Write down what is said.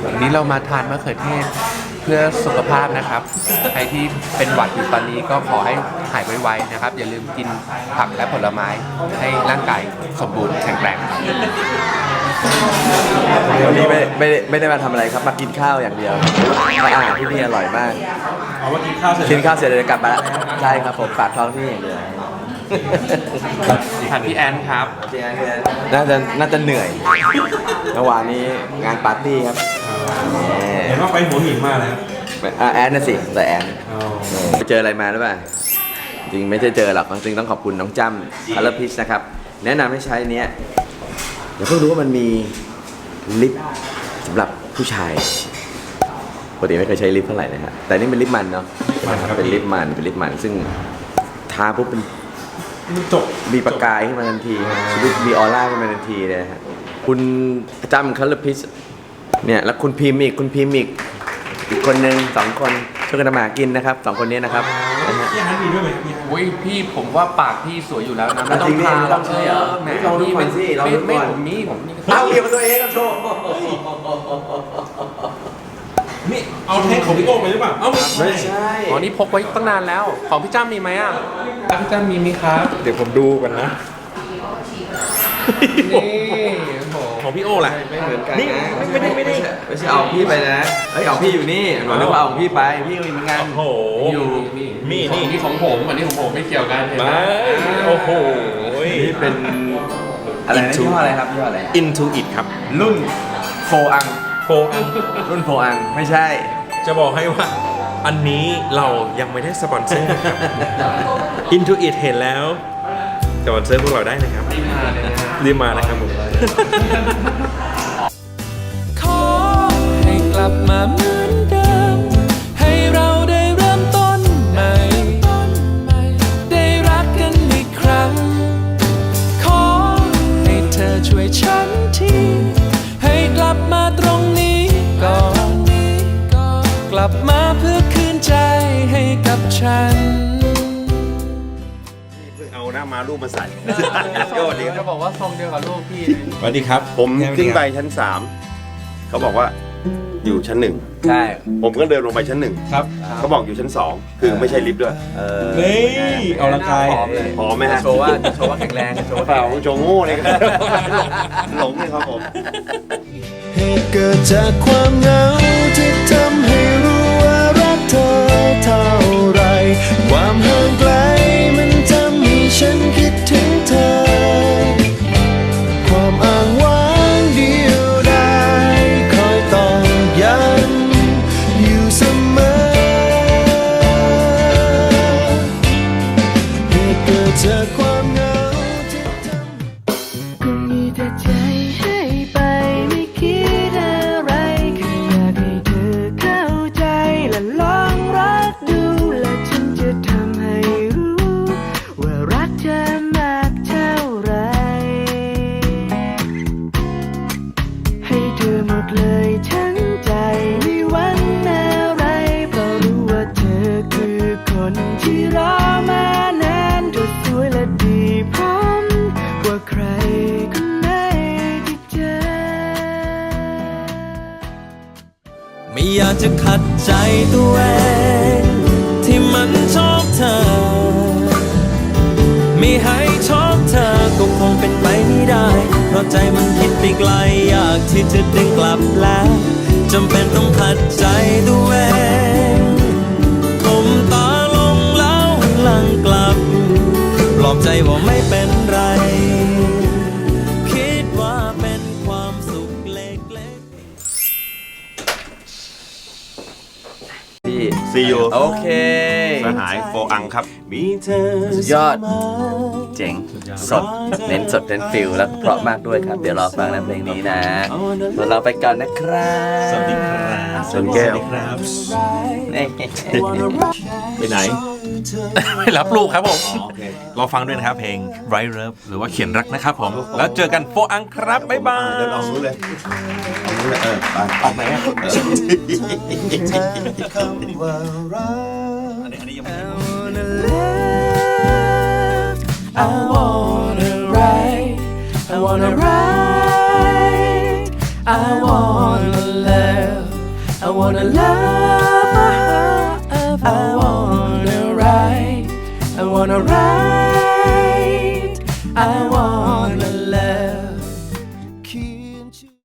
วันนี้เรามาทานมะเขือเทศเพื่อสุขภาพนะครับใครที่เป็นหวัดอยู่ตอนนี้ก็ขอให้หายไวๆนะครับอย่าลืมกินผักและผลไม้ให้ร่างกายสมบูรณ์แข็งแรงครับวันนี้ไม่ได้มาทำอะไรครับมากินข้าวอย่างเดียวอาหารที่นี่อร่อยมากเอาว่ากินข้าวเสร็จกินข้าวเสร็จเลยกลับมาแล้วใช่ครับผมฝากท้องที่อย่างเดียวทานพี่แอนครับน่าจะเหนื่อยเมื่อวานนี้งานปาร์ตี้ครับเห็นว่าไปหัวหินมาแล้วแอนน่ะสิแต่แอนไปเจออะไรมาหรือเปล่าจริงไม่ได้เจอหรอกจริงต้องขอบคุณน้องจ้ำคัลเลอร์พิชนะครับแนะนำให้ใช้เนี้ยเดี๋ยวเพิ่งรู้ว่ามันมีลิปสำหรับผู้ชายปกติไม่เคยใช้ลิปเท่าไหร่นะฮะแต่นี่เป็นลิปมันเนาะเป็นลิปมันซึ่งทาปุ๊บเป็นจบมีประกายขึ้นมาทันทีชีวิตมีออร่าขึ้นมาทันทีเลยนะฮะคุณจ้ำคัลเลอร์พิชเนี่ยแล้วคุณพิมพ์อีกอีกคนนึง2 คนช่วยกันทำมาหากินนะครับ2 คนนี้นะครับนะฮะพี่ฮันมีด้วยไหมพี่ฮันโอ้ยพี่ผมว่าปากพี่สวยอยู่แล้วนะไม่ต้อจริงงดิทาไม่ต้องใช่เหรอแหมลองดูพี่ก่อนสิลองดูก่อนไม่ผมมีเอาเกี่ยวกับตัวเองครับโชว์นี่เอาแท่งของพี่โก้ไปหรือเปล่า เอ้าไม่ใช่อ๋อนี่พกไว้ตั้งนานแล้วของพี่จ้ามีไหมอ่ะพี่จ้ามีไหมครับเดี๋ยวผมดูก่อนนะนี่โอ้โหของพี่โอ้ล่ะไม่เหมือนกันนี่นะไม่ได้ไม่ใช่เอาพี่ไปนะเฮ้ยเอาพี่อยู่นี่หนูนึกว่าเอาของพี่ไปพี่ก็มีเหมือนกันโอ้โหอยู่นี่ของผมอันนี้ของผมไม่เกี่ยวกันเห็นไหมไม่โอ้โหนี่เป็นอะไรนะยี่ห้ออะไรครับยี่ห้ออะไร Into It ครับรุ่นโฟอังโฟอันรุ่นโฟอังไม่ใช่จะบอกให้ว่า อันนี้เรายังไม่ได้สปอนเซอร์นะครับ Into It เห็นแล้วสปอนเซอร์พวกเราได้นะครับมาเลยนะฮะรีบมานะครับผมขอให้กลับมาเหมือนเดิม ให้เราได้เริ่มต้นใหม่ ได้รักกันอีกครั้ง ขอให้เธอช่วยฉันทีให้กลับมาตรงนี้ก่อนกลับมาเพื่อคืนใจให้กับฉันเพิ่งเอาหน้ามารูปมาใส่จะบอกว่าทรงเดียวกับลูกพี่สวัสดีครับผมขึ้นไปชั้น 3เขาบอกว่าอยู่ชั้นใช่ 1ผมก็เดินลงไปชั้นครับ 1เขาบอกอยู่ชั้น 2คือไม่ใช่ลิฟต์ด้วยนี่เอาละกายพอไหมฮะโชว์ว่าแข็งแรงโชว์ว่าเปล่าโจงโง่เลยครับหลงเลยครับผมเหตุเกิดจากความเหงาที่ทำให้รู้ว่ารักเธอเท่าไรความห่างไกลมันทำให้ฉันคิดถึงเธอความอ้างว้างเดียวดายคอยตอกย้ำอยู่เสมอเหตุเกิดจากความเหงาที่ทำก็มีแต่ใจให้ไปไม่คิดอะไรแค่อยากให้เธอเข้าใจและลองรักดูและฉันจะทำให้รู้ว่ารักเธอมากเท่าไรให้เธอหมดเลยทั้งใจไม่หวังอะไรเพราะรู้ว่าเธอคือคนที่รอมานานเธอสวยและดีพร้อมกว่าใครคนไหนที่เจอไม่อยากจะขัดใจตัวเองที่มันชอบเธอ ไม่ให้ชอบเธอก็คงเป็นไปไม่ได้ เพราะใจมันคิดไปไกลอยากที่จะดึงกลับแล้วจำเป็นต้องขัดใจตัวเองก้มตาลงแล้วหลังกลับปลอบใจว่าไม่เป็นไร คิดว่าเป็นความสุขเล็กๆพี่ See you โอเคสหายโฟอังครับสุดยอดเจ๋งสดเน้นสดเน้นฟิลแล้วเพราะมากด้วยครับ เดี๋ยวรอฟังนะเพลงนี้นะส่วนเราไปก่อนนะครับสวัสดีครับชนแก้วครับนี่ไปไหนไม่รับลูกครับผมเราฟังด้วยนะครับเพลง Right Love หรือว่าเขียนรักนะครับผม แล้วเจอกันโฟอังครับ บ๊ายบายเดินออกนู้นเลยออกนู้นเลยไปออกไหนอะ I wanna write, I wanna write, I wanna love. wanna love, I wanna write, I wanna write, I wanna love.